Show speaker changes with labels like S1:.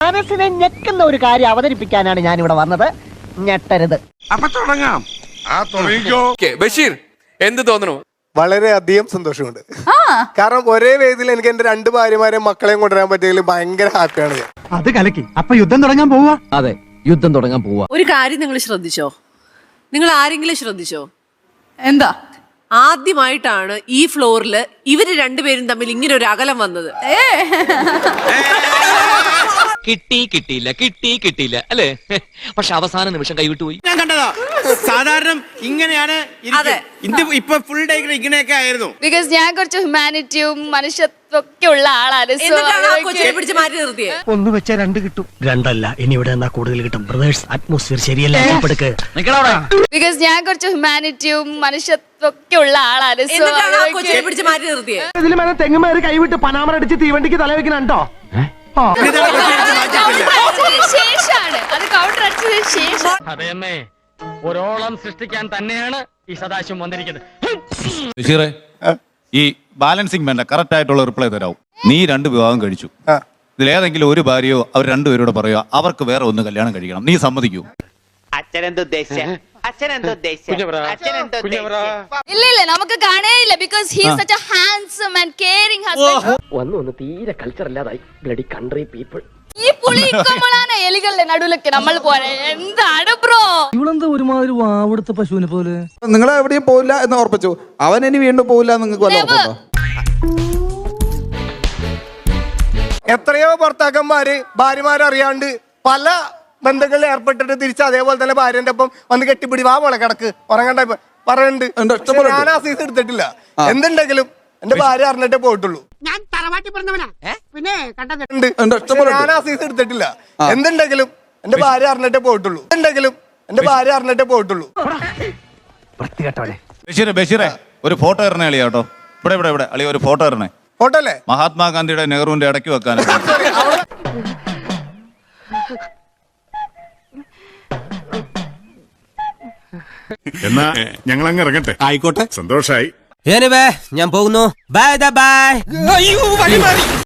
S1: മനസ്സിനെ ഞെക്കുന്ന ഒരു കാര്യം അവതരിപ്പിക്കാനാണ് ഞാൻ ഇവിടെ വന്നത്. ഞെട്ടരുത്.
S2: അപ്പൊ തുടങ്ങാം.
S3: ബഷീർ, എന്ത് തോന്നുന്നു?
S4: വളരെയധികം സന്തോഷമുണ്ട്. കാരണം ഒരേ വേദിയിൽ എനിക്ക് എന്റെ 2 ഭാര്യമാരെയും മക്കളെയും കൊണ്ടുവരാൻ പറ്റിയതിൽ ഭയങ്കര ഹാപ്പിയാണ് ഞാൻ.
S5: അത് കലക്കി. അപ്പൊ യുദ്ധം തുടങ്ങാൻ പോവാ?
S6: അതെ, യുദ്ധം തുടങ്ങാൻ പോവാ.
S7: ഒരു കാര്യം നിങ്ങൾ ശ്രദ്ധിച്ചോ? നിങ്ങൾ ആരെങ്കിലും ശ്രദ്ധിച്ചോ?
S8: എന്താ?
S7: ആദ്യമായിട്ടാണ് ഈ ഫ്ലോറില് ഇവര് രണ്ടുപേരും തമ്മിൽ ഇങ്ങനെ ഒരു അകലം വന്നത്.
S6: കിട്ടിയില്ല അല്ലേ? പക്ഷെ അവസാന നിമിഷം കൈവിട്ടുപോയി.
S2: ഞാൻ കണ്ടതാ. സാധാരണ ഇങ്ങനെയാണ് ഇപ്പൊ ഫുൾ ഡേ ഇങ്ങനെയൊക്കെ ആയിരുന്നു.
S8: ബിക്കോസ് ഞാൻ കുറച്ച് ഹ്യൂമാനിറ്റിയും മനുഷ്യത്വമൊക്കെ ഉള്ള ആളാണ്.
S7: പിടിച്ച് മാറ്റി നിർത്തിയേ.
S5: ഒന്ന് വെച്ചാൽ 2 കിട്ടും. 2 അല്ല, ഇനി ഇവിടെ എന്നാ കൂടുതൽ കിട്ടും. ബ്രദേഴ്സ്, അറ്റ്മോസ്ഫിയർ ശരിയല്ല.
S8: ബിക്കോസ് ഞാൻ കുറച്ച് ഹ്യൂമാനിറ്റിയും മനുഷ്യത്വമൊക്കെ ഉള്ള ആളാണ്.
S7: പിടിച്ച് മാറ്റി നിർത്തിയേ.
S5: ഇതിലും തെങ്ങുമേറി കൈവിട്ട് പനാമറ അടിച്ച് തീവണ്ടിക്ക് തല വെക്കണോ?
S6: അതെയമ്മേ, ഒരോളം സൃഷ്ടിക്കാൻ തന്നെയാണ് ഈ സദാശിവം വന്നിരിക്കുന്നത്.
S9: ബഷീറെ, ഈ ബാലൻസിങ് വേണ്ട, കറക്റ്റ് ആയിട്ടുള്ള റിപ്ലൈ തരാവും. നീ 2 വിവാഹം കഴിച്ചു. ഇതിലേതെങ്കിലും ഒരു ഭാര്യയോ അവർ 2 പേരോട് പറയുക അവർക്ക് വേറെ ഒന്ന് കല്യാണം കഴിക്കണം, നീ സമ്മതിക്കൂ?
S8: ഇല്ല, നമുക്ക് കാണേയില്ല. Because he is such a handsome and caring husband.
S6: വന്നു തീരെ കൾച്ചർ ഇല്ലാതായി. Bloody country people.
S8: ഈ പുളി ഇക്കോളാണ് എലികളുടെ നടുവിലൊക്കെ നമ്മൾ പോലെ. എന്താണ് ബ്രോ?
S5: ഇവളെന്താ ഒരുമാതിരി വാവെടുത്ത പശുവിനെ പോലെ?
S10: നിങ്ങൾ എവിടെയും പോവില്ല എന്ന് ഉറപ്പിച്ചു. അവൻ ഇനി വീണ്ടും പോവില്ല. നിങ്ങൾക്ക് വല്ല ഉറപ്പുണ്ടോ?
S4: എത്രയോ ഭർത്താക്കന്മാര് ഭാര്യമാരറിയാണ്ട് പല ബന്ധങ്ങളിൽ ഏർപ്പെട്ടിട്ട് തിരിച്ച് അതേപോലെ തന്നെ ഭാര്യന്റെ ഒപ്പം വന്ന് കെട്ടിപ്പിടി വാ മോളെ കിടക്ക് ഉറങ്ങണ്ട പറയുന്നുണ്ട്. ഞാൻ ആ സീസ് എടുത്തിട്ടില്ല. എന്തുണ്ടെങ്കിലും എന്റെ ഭാര്യ അറിഞ്ഞിട്ടേ പോയിട്ടുള്ളൂ.
S1: ഞാൻ തറവാട്ടി പറഞ്ഞവനാ. പിന്നെ
S4: ഞാൻ ആ സീസ് എടുത്തിട്ടില്ല. എന്തുണ്ടെങ്കിലും എന്റെ ഭാര്യ അറിഞ്ഞിട്ടേ പോയിട്ടുള്ളൂ.
S9: ബഷീറെ, ഒരു ഫോട്ടോ ഇറണേ അളിയാ കേട്ടോ. ഇവിടെ അളിയ ഒരു ഫോട്ടോ ഇറണേ.
S4: ഫോട്ടോ അല്ലേ?
S9: മഹാത്മാഗാന്ധിയുടെ നെഹ്റുവിന്റെ ഇടയ്ക്ക് വെക്കാൻ.
S2: എന്നാ ഞങ്ങൾ അങ്ങ് ഇറങ്ങട്ടെ. ആയിക്കോട്ടെ, സന്തോഷായി.
S6: ഞാൻ പോകുന്നു. Bye by.